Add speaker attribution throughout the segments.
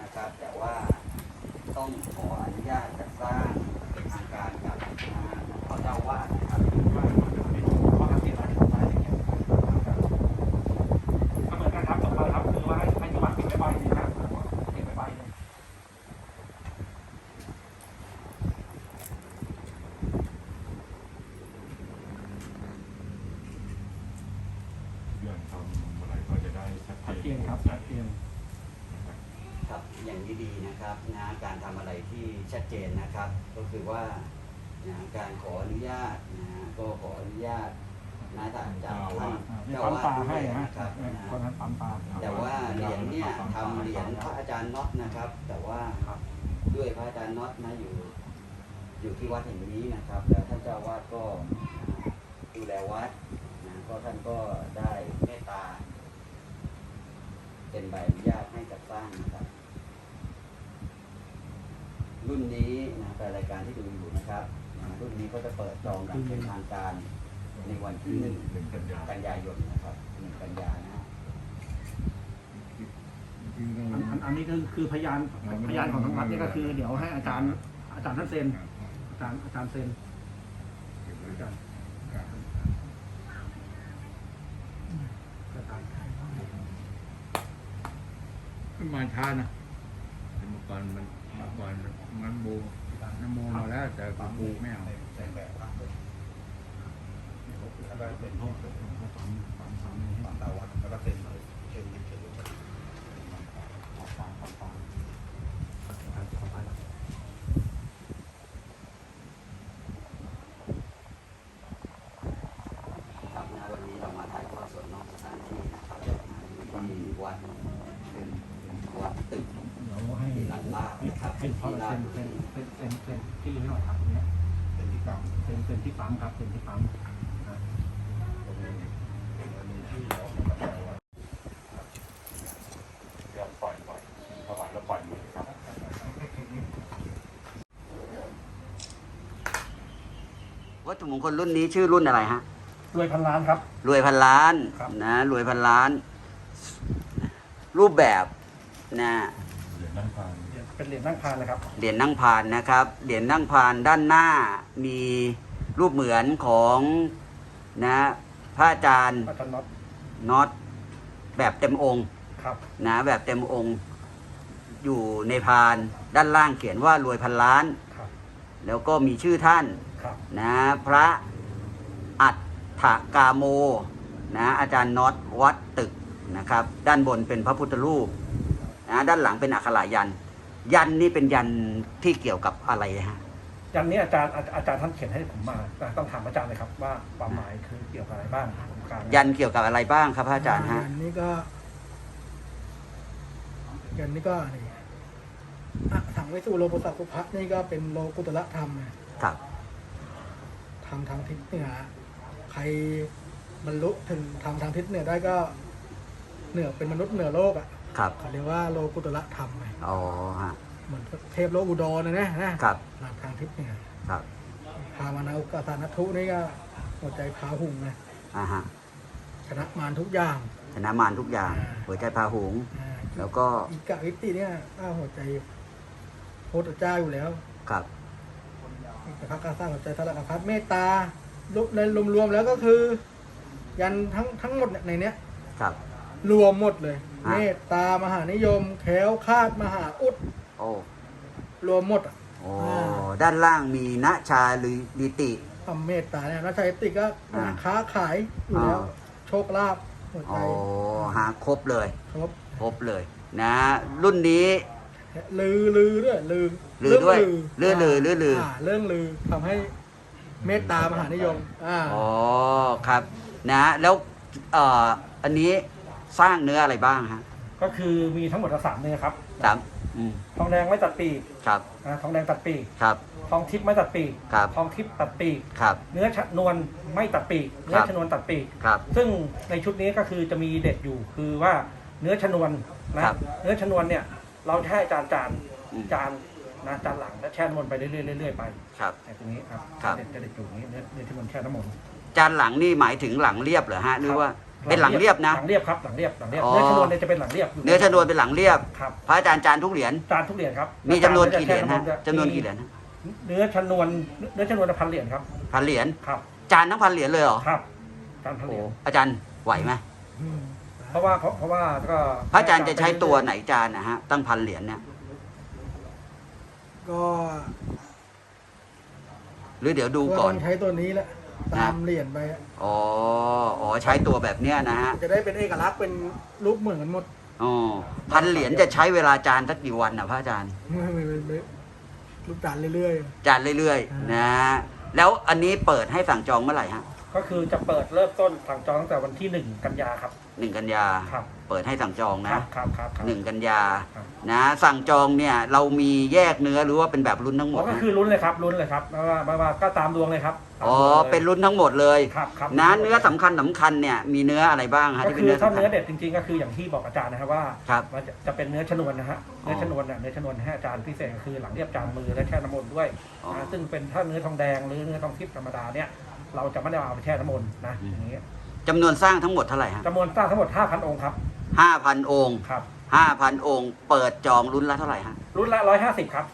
Speaker 1: นะครับ แต่ว่าต้องขออนุญาตจัดสร้างเป็นทางการกับพ่อเจ้าวาดนะครับ
Speaker 2: ว่าข้อสังเกตอะไรของอะไรอย่างเงี้ยก็เหมือนกันครับต่อไปครับคือว่าให้ที่วัดปิดไว้ใบนึงครับปิดไว้ใบนึง
Speaker 3: เรื่องทำอะไรก็จะได้ชัด
Speaker 2: ชัด
Speaker 3: เจ
Speaker 2: เจ
Speaker 3: น
Speaker 2: นครับชัดเจน
Speaker 1: ครับอย่างนี้ดีนะครับนะการทำอะไรที่ชัดเจนนะครับ ก็คือว่าการขออนุญาตก็ขออนุญาตจากท่าน
Speaker 2: นี่
Speaker 1: เจ้า
Speaker 2: ปั๊ม
Speaker 1: วา
Speaker 2: ปลา
Speaker 1: ดด้
Speaker 2: ให้
Speaker 1: วย
Speaker 2: นะ
Speaker 1: นะครับ
Speaker 2: คนนั้นปั๊มปลา
Speaker 1: แต่ว่าเหรียญเนี่ยทำเหรียญพระอาจารย์น็อตนะครับ แต่ว่าด้วยพระอาจารย์น็อตอยู่ที่วัดแห่งนี้นะครับแล้วท่านเจ้าวาดก็ดูแลวัดก็ท่านก็ได้เมตตาเป็นใบอนุญาตให้จัดสร้างนะครับ รุ่นนี้แต่รายการที่ดูอยู่นะครับรุ่นนี้ก็จะเปิดจองอย่างเป็นทางการในวันที่1 กันยายนนะครับ1 กันยายนนะ
Speaker 2: อันนี้คือพยานของทางวัดนี่ก็คือเดี๋ยวให้อาจารย์ท่านเซ็นอาจารย์เซ็นอาจารย์
Speaker 4: มันมาช้านะเมื่อก่อนมันโบน้ำโมมาแล้วแต่กูไม่เอา
Speaker 2: เป็นห้องปั๊มตาวัดแล้วก็เซ็น
Speaker 1: ครับวันนี้เรามาถ่ายทอดสดนอกสถานที่นะครับที่วัดเป็นวัดตึก
Speaker 2: เดี๋ยวให้
Speaker 1: ที่หลังบ้านนะครับ
Speaker 2: ให้เขาเซ็นที่ให้หน่อยครับเนี้ยเป็นที่ปั๊มครับเป็นที่ปั๊ม
Speaker 3: เดี๋ยวปล่อยถวายแล้วปล่อยมือครับ
Speaker 1: วัตถุมงคลรุ่นนี้ชื่อรุ่นอะไรฮะ
Speaker 2: รวยพันล้านครับ
Speaker 1: รวยพันล้าน
Speaker 2: ครับ
Speaker 1: นะรวยพันล้าน รูปแบบนะ
Speaker 3: เหรียญนั่งพาน
Speaker 2: เป็นเหรียญนั่งพานเลยครับ
Speaker 1: เหรียญนั่งพานนะครับเหรียญนั่งพานด้านหน้ามีรูปเหมือนของนะพระอาจารย์
Speaker 2: อาจารย์น็อต
Speaker 1: น็อตแบบเต็มองค์
Speaker 2: ครับ
Speaker 1: นะแบบเต็มองค์ อยู่ในพานด้านล่างเขียนว่ารวยพันล้าน
Speaker 2: ครับ
Speaker 1: แล้วก็มีชื่อท่าน
Speaker 2: ครับ
Speaker 1: นะพระอัฏฐกาโมนะอาจารย์น็อตวัดตึกนะครับ ด้านบนเป็นพระพุทธรูปนะด้านหลังเป็นอักขระยันต์ยันต์นี่เป็นยันต์ที่เกี่ยวกับอะไรฮะ
Speaker 2: ยันนี้อาจารย์ท่านเขียนให้ผมมาต้องถามอาจารย์เลยครับว่าความหมายคือเกี่ยวกับอะไรบ้างผมกลาง
Speaker 1: ยันต์เกี่ยวกับอะไรบ้างครับพระอาจารย์ฮะ
Speaker 5: ยันนี่ก็นี่ถังไว้สู่โลกุตตะคุพะนี่ก็เป็นโลกุตระธรรมนะครับทำทางทิศเหนือใครบรรลุถึงทำทางทิศเหนือได้ก็เหนือเป็นมนุษย์เหนือโลก
Speaker 1: ครับ
Speaker 5: เขาเรียกว่าโลกุตระธรรม
Speaker 1: อ๋อฮะ
Speaker 5: เหมือนเทพโลกอุดรนะครับหลักทางทิศเหนือ
Speaker 1: ครับ
Speaker 5: พามานาอุกสานัทุนี่ก็หัวใจพาหุงนะ
Speaker 1: ฮะ
Speaker 5: ชนะมารทุกอย่าง
Speaker 1: ชนะมารทุกอย่าง หัวใจพาหุงส์แล้วก็
Speaker 5: อีกะวิตติเนี่ยหัวใจโพธิเจ้าอยู่แล้ว
Speaker 1: ครับ
Speaker 5: แต่พระกาสร้างหัวใจทารกพัฒเมตตาในรวมๆแล้วก็คือ ยันทั้งหมดในเนี้ย
Speaker 1: ครับ
Speaker 5: รวมหมดเลย
Speaker 1: อ่ะ
Speaker 5: เมตตามหานิยมแขวคาดมหาอุด
Speaker 1: โอ้
Speaker 5: รวมหมด
Speaker 1: โอ้ด้านล่างมีณชาหรือดิติ
Speaker 5: ทำเมตตาเนี่ยนักชัยติก็
Speaker 1: อ่า
Speaker 5: ค้าขายอยู่แล้ว
Speaker 1: อ่า
Speaker 5: โชคลาภหัวใจ
Speaker 1: โอ้หาครบเลย
Speaker 5: ครบ
Speaker 1: ครบเลย นะ รุ่นนี้
Speaker 5: ลือด้วยลือ
Speaker 1: ลือด้วย
Speaker 5: เรื่อง
Speaker 1: ลือ
Speaker 5: เรื่องลือทำให้เมตตามหานิยม
Speaker 1: อ๋อครับนะแล้วอันนี้สร้างเนื้ออะไรบ้างฮะ
Speaker 2: ก็คือมีทั้งหมด3เนื้อครับ
Speaker 1: สามอืม
Speaker 2: ทองแดงไม่ตัดปีก
Speaker 1: ครับ
Speaker 2: ทองแดงตัดปีก
Speaker 1: ครับ
Speaker 2: ทองทิพย์ไม่ตัดปีก
Speaker 1: ครับ
Speaker 2: ทองทิพย์ตัดปีก
Speaker 1: ครับ
Speaker 2: เนื้อชนวนไม่ตัดปีกเนื้อชนวนตัดปีก
Speaker 1: ครับ
Speaker 2: ซึ่งในชุดนี้ก็คือจะมีเด็ดอยู่คือว่าเนื้อชนวนนะครับ เนื้อชนวนเนี่ยเราจะให้จาน
Speaker 1: อืม
Speaker 2: จานหลังแล้วแช่น้ำมนต์ไปเรื่อยๆไป
Speaker 1: ครับ
Speaker 2: แต่ตรงนี้ครับ
Speaker 1: ครับ
Speaker 2: จะเด็ดอยู่นี้เนื้อที่มันแช่น้ำมนต์
Speaker 1: จานหลังนี่หมายถึงหลังเรียบเหรอฮะหรือว่าเป็นหลังเรียบนะ
Speaker 2: หลังเรียบครับหลังเรียบ
Speaker 1: อ๋อ
Speaker 2: เนื้อชนวนเนี่ยจะเป็นหลังเรียบยู่
Speaker 1: เนื้อชนวนเป็นหลังเรียบ
Speaker 2: ครับ
Speaker 1: พระอาจารย์จานทุกเหรียญ
Speaker 2: จานทุกเหรียญครับ
Speaker 1: มีจำนวนกี่เหรียญ
Speaker 2: แช่
Speaker 1: ฮะ
Speaker 2: ำม
Speaker 1: จำนวนกี่เหรียญฮะ
Speaker 2: เนื้อชนวน1,000 เหรียญครับ
Speaker 1: พันเหรียญ
Speaker 2: ครับ
Speaker 1: จานทั้งพันเหรียญเลยเหรอ
Speaker 2: ครับจานพันเห
Speaker 1: โอ้
Speaker 2: รียญ
Speaker 1: อาจารย์ไหวไหม
Speaker 5: อืม
Speaker 2: เพราะว่าก็
Speaker 1: พระอาจารย์จะใช้ตัวไหนจานนะฮะตั้งพันเหรียญเนี่ย
Speaker 5: ก็
Speaker 1: หรือเดี๋ยวดู
Speaker 5: ก็
Speaker 1: ก่
Speaker 5: ต้
Speaker 1: อ
Speaker 5: อน งใช้ตัวนี้แหละตามเหรียญไปอะ
Speaker 1: อ๋อใช้ตัวแบบเนี้ยนะฮะ
Speaker 5: จะได้เป็นเอกลักษณ์เป็นรูปเหมือนกันหมด
Speaker 1: อ๋อพันเหรียญจะใช้เวลาจานสักกี่วันนะพระอาจารย์
Speaker 5: ไม่รูปจานเรื่อย
Speaker 1: จานเรื่อยๆนะแล้วอันนี้เปิดให้สั่งจองเมื่อไหร่ฮะ
Speaker 2: ก็คือจะเปิดเริ่มต้นสั่งจองตั้งแต่วันที่1 กันยาครับ
Speaker 1: 1 กันยา
Speaker 2: ครับ
Speaker 1: เปิดให้สั่งจอง
Speaker 2: ค
Speaker 1: นะ
Speaker 2: รับครับ
Speaker 1: 1 กันยา
Speaker 2: ครับ
Speaker 1: นะสั่งจองเนี่ยเรามีแยกเนื้อหรือว่าเป็นแบบรุ่นทั้งหม
Speaker 2: อ๋
Speaker 1: ด
Speaker 2: อก็
Speaker 1: ฮะ
Speaker 2: คือลุ้นเลยครับไม่ว่าก็ตามดวงเลยครับตาม
Speaker 1: อ๋อ
Speaker 2: ดวงลย
Speaker 1: เป็นรุ่นทั้งหมดเลย
Speaker 2: ครับ
Speaker 1: นะเนื้อสำคัญเนี่ยมีเนื้ออะไรบ้างฮะ
Speaker 2: ก็
Speaker 1: ที่เป็
Speaker 2: คื
Speaker 1: น
Speaker 2: อ
Speaker 1: เนื้อ
Speaker 2: ถ้า
Speaker 1: สำคัญ
Speaker 2: เนื้อเด็ดจริงๆก็คืออย่างที่บอกอาจารย์นะครับว่า
Speaker 1: ครับ
Speaker 2: มันจะเป็นเนื้อชนวนนะฮะ
Speaker 1: อ๋อ
Speaker 2: เนื้อชนวนเนี่ยเนื้อชนวนให้อาจารย์พิเศษก็คือหลังเรียบจานมือและแช่น้ำมนต์ด้วย
Speaker 1: อ๋อ
Speaker 2: นะซึ่งเป็นถ้าเนื้อทองแดงหรือเนื้อทองทิพย์ธรรมดาเนี่ยเราจะไม่ได้เอาไปแช่น้ำมนต์นะอย่างนี้
Speaker 1: จำนวนสร้างทั้งหมดเท่าไหร่ฮะ
Speaker 2: จำนวนสร้างทั้งหมด 5,000 องค์ครับ
Speaker 1: 5,000 องค์
Speaker 2: ครับ
Speaker 1: 5,000 องค์ เปิดจองรุ่นละเท่าไหร่ฮะ
Speaker 2: รุ่นละ150ครับ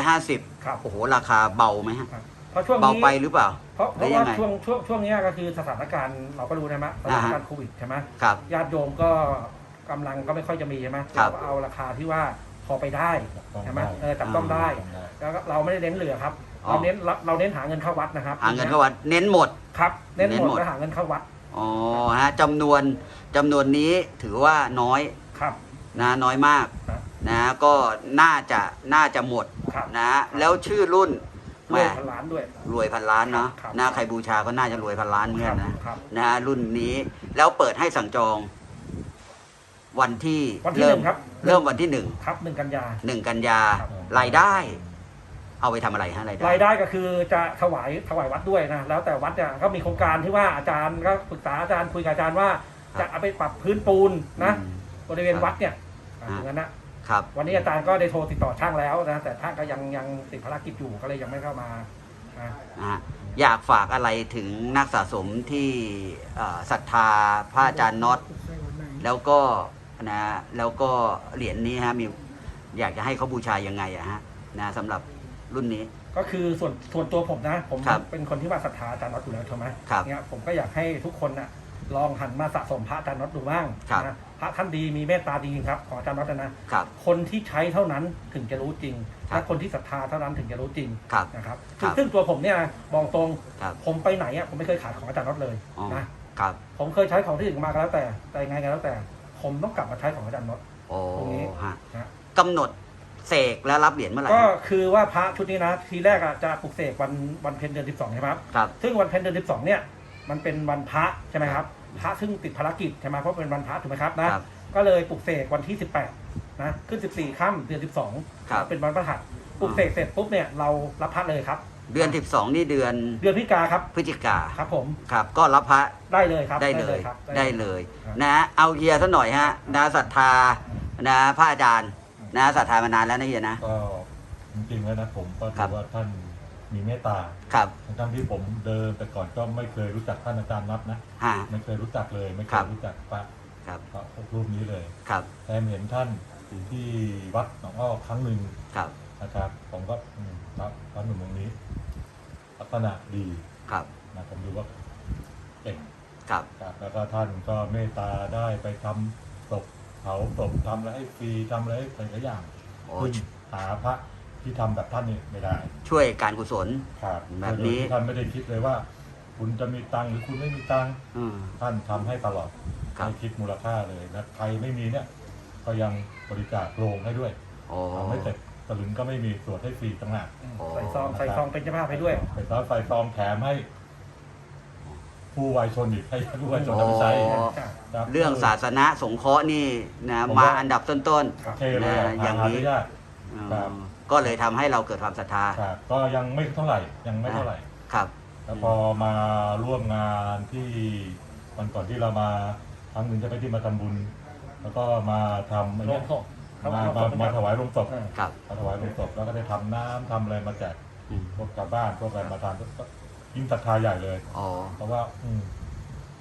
Speaker 1: 150
Speaker 2: ครับ
Speaker 1: โอ้โหราคาเบาไหมฮะ
Speaker 2: ครับเพราะช่วง
Speaker 1: เบา
Speaker 2: นี้
Speaker 1: ไปหรือเปล่า
Speaker 2: เพราะ
Speaker 1: หรือยั
Speaker 2: ว่าง
Speaker 1: ไง
Speaker 2: ช่วงนี้ก็คือสถานการณ์เราก็รู้นะมะสถานการณ์โควิดใช่ไหม
Speaker 1: ครับ
Speaker 2: ญาติโยมก็กำลังก็ไม่ค่อยจะมีใช่ไหม
Speaker 1: ครับ
Speaker 2: เราก็เอาราคาที่ว่าพอไปได้ใช่ไหมจับต้องได้ แล้วก็เราไม่ได้เน้นเหลือครับ เราเน้นหาเงินเข้าวัดนะครับ
Speaker 1: หาเงินเข้าวัดเน้นหมด
Speaker 2: ครับ เน้น
Speaker 1: เน้น
Speaker 2: ห
Speaker 1: ห
Speaker 2: ม
Speaker 1: ม
Speaker 2: ด
Speaker 1: ด
Speaker 2: แล้วหาเงินเข้าวัด
Speaker 1: อ๋อฮะจำนวนนี้ถือว่าน้อย
Speaker 2: ครับ
Speaker 1: นะน้อยมาก
Speaker 2: ครับ
Speaker 1: นะก็น่าจะหมด
Speaker 2: ครับ
Speaker 1: นะแล้วชื่อรุ่น
Speaker 2: ร
Speaker 1: แห
Speaker 2: วย
Speaker 1: ม
Speaker 2: พันล้านด้วย
Speaker 1: รวยพันล้านเนาะ
Speaker 2: ครับ
Speaker 1: นะใครบูชาก็น่าจะรวยพันล้านเหมือนกันนะครับ นะรุ่นนี้แล้วเปิดให้สั่งจอง วันที่
Speaker 2: วันที่
Speaker 1: เริ่
Speaker 2: ห
Speaker 1: ม
Speaker 2: นึ่งครับ
Speaker 1: เริ่มวันที่หนึ่ง
Speaker 2: ครับ1 กันยา
Speaker 1: 1 กันยา
Speaker 2: ครับ
Speaker 1: รายได้ เอาไปทำอะไรฮะรายได้
Speaker 2: รายได้ก็คือจะถวายวัดด้วยนะแล้วแต่วัดเนี่ยก็มีโครงการที่ว่าอาจารย์ก็ปรึกษาอาจารย์คุยกับอาจารย์ว่า จะเอาไปปรับพื้นปูนนะ
Speaker 1: อืม
Speaker 2: บริเวณวัดเนี่ยอย่างนั้นนะครับ วันนี้อาจารย์ก็ได้โทรติดต่อช่างแล้วนะแต่ช่างก็ยังติดภารกิจอยู่ก็เลยยังไม่เข้ามานะ
Speaker 1: นะฮะอยากฝากอะไรถึงนักสะสมที่ศรัทธาพระอาจารย์น็อต
Speaker 5: ใช่วันไหน
Speaker 1: แล้วก็แล้วก็เหรียญนี้ฮะมีอยากจะให้เขาบูชายังไงอะฮะนะสำหรับรุ่นนี้
Speaker 2: ก็คือส่วนตัวผมนะผม
Speaker 1: ครับ
Speaker 2: เป็นคนที่ว่าศรัทธาอาจารย์น็อตอยู่แล้วใช่ไหม
Speaker 1: ครับ
Speaker 2: เนี่ยผมก็อยากให้ทุกคนนะลองหันมาสะสมพระอาจารย์น็อตดูบ้าง
Speaker 1: ครับ
Speaker 2: นะพระท่านดีมีเมตตาจริงๆครับของอาจารย์น็อตนะครับ คนที่ใช้เท่านั้นถึงจะรู้จริง
Speaker 1: ครับ
Speaker 2: และคนที่ศรัทธาเท่านั้นถึงจะรู้จริง
Speaker 1: ครับ
Speaker 2: นะครับ
Speaker 1: ครับ
Speaker 2: ซึ่งตัวผมเนี่ยบอกตรง
Speaker 1: ครับ
Speaker 2: ผมไปไหนอ่ะผมไม่เคยขายของอาจารย์น็อตเลย
Speaker 1: อ๋อ
Speaker 2: นะครับ ผมเคยใช้ของที่อื่นมาก็แล้วแต่ยังไงก็แล้วแต่ ผมต้องกลับมาใช้ของอาจารย์น็อต
Speaker 1: โอ้
Speaker 2: ตรงนี้
Speaker 1: ฮะ
Speaker 2: นะ
Speaker 1: กำหนดเสกและรับเหรียญเมื่อไหร่
Speaker 2: ก็
Speaker 1: ฮะ
Speaker 2: คือว่าพระชุดนี้นะทีแรกอะจะปลุกเสกวันเพ็ญเดือน12ใช่ไหมครับ
Speaker 1: ครับ
Speaker 2: ซึ่งวันเพ็ญเดือน12เนี่ยมันเป็นวันพระใช่ไหมครับพระซึ่งติดภารกิจใช่ไหมเพราะเป็นวันพระถูกไหมครับนะครับ ก็เลยปลุกเสกวันที่18นะขึ้น14ค่ำเดือน
Speaker 1: ครับ
Speaker 2: 12เป็นวันพฤหัสปลุกเสกเสร็จปุ๊บเนี่ยเรารับพระเลยครับ
Speaker 1: เดือน 12 นี่เดือน
Speaker 2: เดือนพฤศจิกาครับ
Speaker 1: พฤศจิกา
Speaker 2: ครับผม
Speaker 1: ครับ ก็รับพระ
Speaker 2: ได้เลยครับ
Speaker 1: ได้เลย
Speaker 2: ครับ
Speaker 1: ได้เลย
Speaker 2: ครับ
Speaker 1: นะเอาเฮียซะหน่อยฮะนะศรัทธานะพระอาจารย์นะศรัทธามานานแล้วนะเฮียนะ
Speaker 3: ก็จริงๆแล้วนะผมก็
Speaker 1: ครั
Speaker 3: ถื
Speaker 1: บ
Speaker 3: อว่าท่านมีเมตตา
Speaker 1: ครับ
Speaker 3: ทั้งที่ผมเดินแต่ก่อนก็ไม่เคยรู้จักท่านอาจารย์น็อตนะ
Speaker 1: ฮะ
Speaker 3: ไม่เคยรู้จักเลย ไม่เค
Speaker 1: ครั
Speaker 3: ย
Speaker 1: บ
Speaker 3: รู้จักพระ
Speaker 1: ครับ
Speaker 3: รูปนี้เลย
Speaker 1: ครับ
Speaker 3: แต่เห็นท่านอยู่ที่วัดหนองอ้อครั้งหนึ่ง
Speaker 1: ครับ
Speaker 3: นะครับ ผมก็พระหนุ่มองค์นี้ลักษณะดี
Speaker 1: ครับ
Speaker 3: นะผมดูว่าเก่ง
Speaker 1: ครับ
Speaker 3: ครับแล้วก็ท่านก็เมตตาได้ไปทำศพเผาศพทำอะไรให้ฟรีทำอะไรให้หลายๆอย่าง
Speaker 1: โอ้
Speaker 3: ซึ่งหาพระที่ทำแบบท่านนี่ไม่ได้
Speaker 1: ช่วยการกุศล
Speaker 3: ครับ
Speaker 1: แบบนี้
Speaker 3: โดยที่ท่านไม่ได้คิดเลยว่า คุณจะมีตังค์หรือคุณไม่มีตังค์
Speaker 1: อืม
Speaker 3: ท่านทำให้ตลอด
Speaker 1: ครับ
Speaker 3: ไม่คิดมูลค่าเลยนะใครไม่มีเนี่ย ก็ยังบริจาคโรงให้ด้วย
Speaker 1: โอ้
Speaker 3: ทำให้เสร็จสลึงก็ไม่มีตรวจให้ฟรีต่างหาก
Speaker 2: ใส่ซองเป็นเจ้าภาพให้ด้วย
Speaker 3: ไปซ้อนไฟซองแถมให้ ผู้วายชนอีกให้ผู้วายชนเอาไปใช้
Speaker 1: อ๋อ
Speaker 3: ครับ
Speaker 1: เรื่องศาสนาสงเคราะห์นี่นะ
Speaker 3: ผม
Speaker 1: มา
Speaker 3: ว่า
Speaker 1: อันดับต้น
Speaker 3: โอเคเลยอะ
Speaker 1: อย่างนี้
Speaker 3: หได้ยาก
Speaker 1: ๆอืม
Speaker 3: ครับ
Speaker 1: ก็เลยทำให้เราเกิดความศรัทธา
Speaker 3: ครับก็ยังไม่เท่าไหร่ยังไม่เท่าไหร่
Speaker 1: ครับ
Speaker 3: แล้วพอมาร่วมงานที่วันก่อนที่เรามาครั้งหนึ่งจะไปที่มาทำบุญ แล้วก็มาทำอะไร
Speaker 2: โร
Speaker 3: เงี้
Speaker 2: ง
Speaker 3: ย
Speaker 2: ศพ
Speaker 3: มาถวายโรงศพ
Speaker 1: ครับ
Speaker 3: มาถวายโรงศพแล้วก็ได้ทำน้ำทำอะไรมาแจก
Speaker 1: อืม
Speaker 3: พวกชาวบ้านพวกอะไรมาทานก็ยิ่งศรัทธาใหญ่เลย
Speaker 1: อ๋อ
Speaker 3: เพราะว่า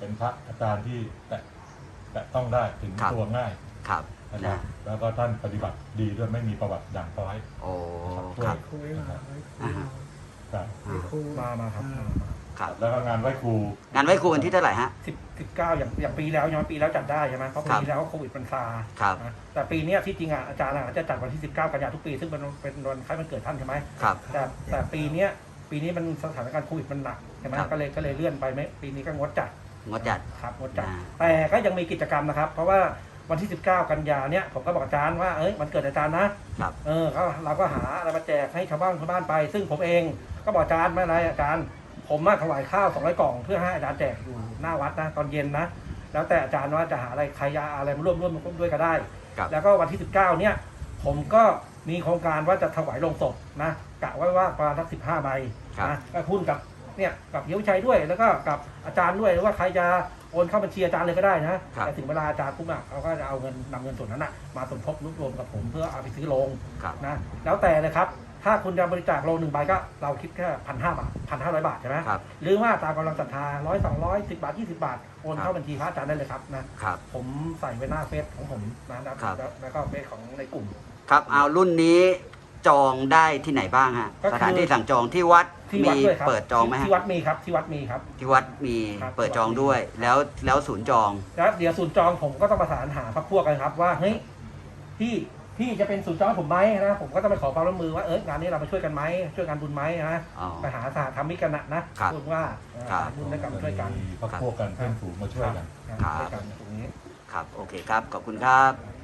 Speaker 3: เป็นพระอาจารย์ที่แตะต้องได้ถึง
Speaker 1: ครับ
Speaker 3: ตัวง่าย
Speaker 1: ครับ
Speaker 3: นะครับ
Speaker 1: นะ
Speaker 3: แล้วก็ท่านปฏิบัติดีด้วยไม่มีประวัติด่างพร้อย
Speaker 1: โอ้
Speaker 3: ช่วย
Speaker 1: ครับ
Speaker 5: คุยมาไว้คุย
Speaker 3: ครับ
Speaker 5: มาคุย
Speaker 2: มาครับ
Speaker 1: ครับ
Speaker 3: แล้วก็งานไหว้ครู
Speaker 1: งานไหว้ครูวันที่เท่าไหร่ฮะ
Speaker 2: 19อย่างปีแล้วย้อนปีแล้วจัดได้ใช่ไหมเพราะ
Speaker 1: ครับ
Speaker 2: ปีแล้วโควิดมันซา
Speaker 1: ครับ
Speaker 2: นะแต่ปีเนี้ยที่จริงอ่ะอาจารย์จะจัดวันที่ 19 กันยายนทุกปีซึ่งเป็นวันคล้ายวันเกิดท่านใช่ไหม
Speaker 1: ครับ
Speaker 2: แต่ปีนี้มันสถานการณ์โควิดมันหนักใช่ไหม
Speaker 1: ครับ
Speaker 2: ก็เลยเลื่อนไปไม่ปีนี้ก็งดจัด
Speaker 1: งดจัด
Speaker 2: ครับงดจัด
Speaker 1: อ่า
Speaker 2: แต่ก็ยังมีกิจกรรมนะครับ เพราะว่าวันที่ 19 กันยาเนี่ยผมก็บอกอาจารย์ว่ามันเกิดอาจารย์นะครับ ก็เราก็หาอะไรมาแจกให้ชาวบ้านไป ซึ่งผมเองก็บอกอาจารย์ไม่เป็นไรอาจารย์ผมมาถวายข้าว200กล่องเพื่อให้อาจารย์แจกอยู่หน้าวัดนะตอนเย็นนะแล้วแต่อาจารย์ว่าจะหาอะไรใครอะไรมาร่วมด้วยก็ได้
Speaker 1: ครับ
Speaker 2: แล้วก็วันที่ 19 เนี่ยผมก็มีโครงการว่าจะถวายโลงศพนะกะไว้ว่าประมาณสัก15 ใบ
Speaker 1: ครับ
Speaker 2: นะก็หุ้นกับเนี่ยกับเฮียวิชัยด้วยแล้วก็กับอาจารย์ด้วยหรือว่าใครจะโอนเข้าบัญชีอาจารย์เลยก็ได้นะแต่ถึงเวลาอาจารย์ปุ๊บเขาก็จะเอานำเงินส่วนนั้นมาสมทบรวมกับผมเพื่อเอาไปซื้อโลง
Speaker 1: ครับ
Speaker 2: นะแล้วแต่เลยครับถ้าคุณจะบริจาคโลง1 ใบก็เราคิดแค่1,500 บาท1,500 บาทใช่ไหม
Speaker 1: ครับ
Speaker 2: หรือว่าตามกำลังศรัทธา100 200 10 บาท 20 บาทโอนเข้าบัญชีพระอาจารย์ได้เลยครับนะครับ ผมใส่ไว้หน้าเฟซของผมนะครับ แล้วก็เฟซของในกลุ่ม
Speaker 1: ครับเอารุ่นนี้จองได้ที่ไหนบ้างฮะ
Speaker 2: ก็คือ
Speaker 1: สถานที่สั่งจองที่วัด
Speaker 2: ที่วั
Speaker 1: มี
Speaker 2: ดด้วยครับ
Speaker 1: เปิดจองไหมฮะ
Speaker 2: ที่วัดมีครับที่วัดมีครับ
Speaker 1: ที่วัดมี
Speaker 2: ครับ
Speaker 1: เปิดจองด้วยแล้วศูนย์จอง
Speaker 2: แล้วเดี๋ยวศูนย์จองผมก็ต้องประสานหาพรรคพวกกันครับว่าเฮ้ยพี่จะเป็นศูนย์จองให้ผมไหมนะผมก็ต้องไปขอความร่วมมือว่างานนี้เรามาช่วยกันไหมช่วยกันบุญไหมนะ
Speaker 1: อ๋อ
Speaker 2: ไปหาสหธรรมิกกันนะครับ พูดว่า
Speaker 1: ครับ
Speaker 2: บุญด้วยกันช่วยกัน
Speaker 3: มีพวกกันเพื่อนฝูงมาช่วยกัน
Speaker 2: ช่วยกันตรงนี้
Speaker 1: ครับโอเคครับขอบคุณครับ